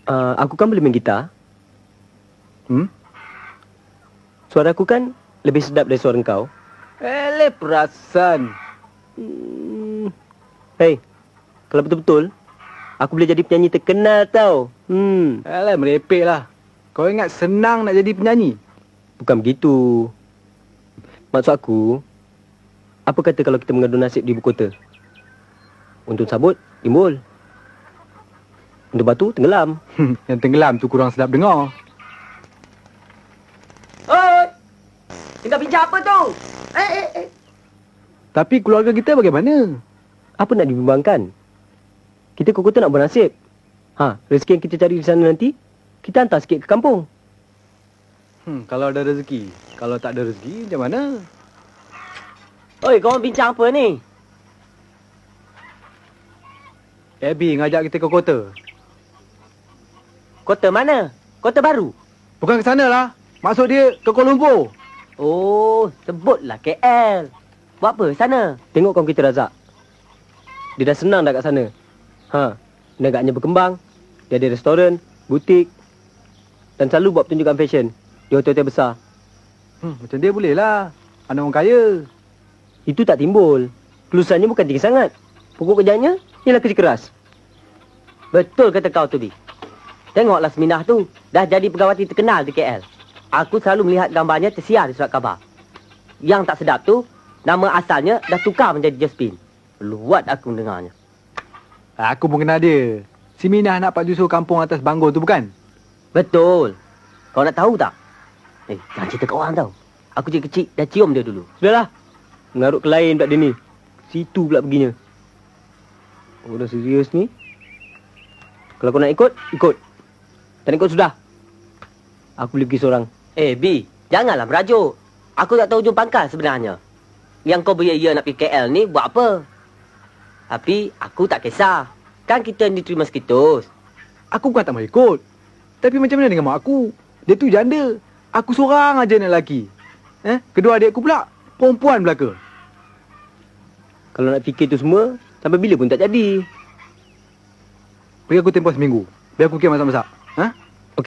Aku kan boleh main gitar. Suara aku kan lebih sedap dari suara kau. Perasan. Hei, kalau betul-betul, aku boleh jadi penyanyi terkenal tau. Merepek lah. Kau ingat senang nak jadi penyanyi? Bukan begitu. Maksud aku, apa kata kalau kita mengadu nasib di ibu kota? Untuk sabut, timbul. Untuk batu, tenggelam. Yang tenggelam tu kurang sedap dengar. Oi! Tinggal bincang apa tu? Tapi keluarga kita bagaimana? Apa nak dibimbangkan? Kita ke kota nak bernasib. Rezeki yang kita cari di sana nanti, kita hantar sikit ke kampung. Kalau ada rezeki. Kalau tak ada rezeki, macam mana? Oi, kau bincang apa ni? Abby ngajak kita ke kota. Kota mana? Kota baru? Bukan ke sana lah. Maksud dia ke Kuala Lumpur. Oh, sebutlah KL. Buat apa sana? Tengok kaum kita Razak. Dia dah senang dah kat sana. Negaknya berkembang. Dia ada restoran, butik. Dan selalu buat pertunjukan fashion di hotel-hotel besar. Macam dia boleh lah. Anak orang kaya. Itu tak timbul. Kelulusannya bukan tinggi sangat. Pokok kerjanya ialah kerja keras. Betul kata kau tu, Bi. Tengoklah Seminah tu. Dah jadi pegawati terkenal di KL. Aku selalu melihat gambarnya tersiar di surat khabar. Yang tak sedap tu, nama asalnya dah tukar menjadi Josephine. Luat aku mendengarnya. Aku pun kenal dia. Si Minah nak Pak Jusuf kampung atas Banggol tu bukan? Betul. Kau nak tahu tak? Jangan cerita kat orang tau. Aku kecil dah cium dia dulu. Sudahlah. Mengarut ke lain pula dia ni. Situ pula perginya. Oh, dah serius ni. Kalau kau nak ikut, ikut. Tak nak ikut sudah. Aku boleh pergi seorang. B, janganlah merajuk. Aku tak tahu hujung pangkal sebenarnya. Yang kau beria-ia nak pergi KL ni buat apa? Tapi aku tak kisah. Kan kita ni terima sekitus. Aku bukan tak mau ikut. Tapi macam mana dengan mak aku? Dia tu janda. Aku seorang aja anak lelaki. Kedua adik aku pula perempuan belaka. Kalau nak fikir tu semua, sampai bila pun tak jadi. Beri aku tempoh seminggu. Biar aku fikir masak-masak.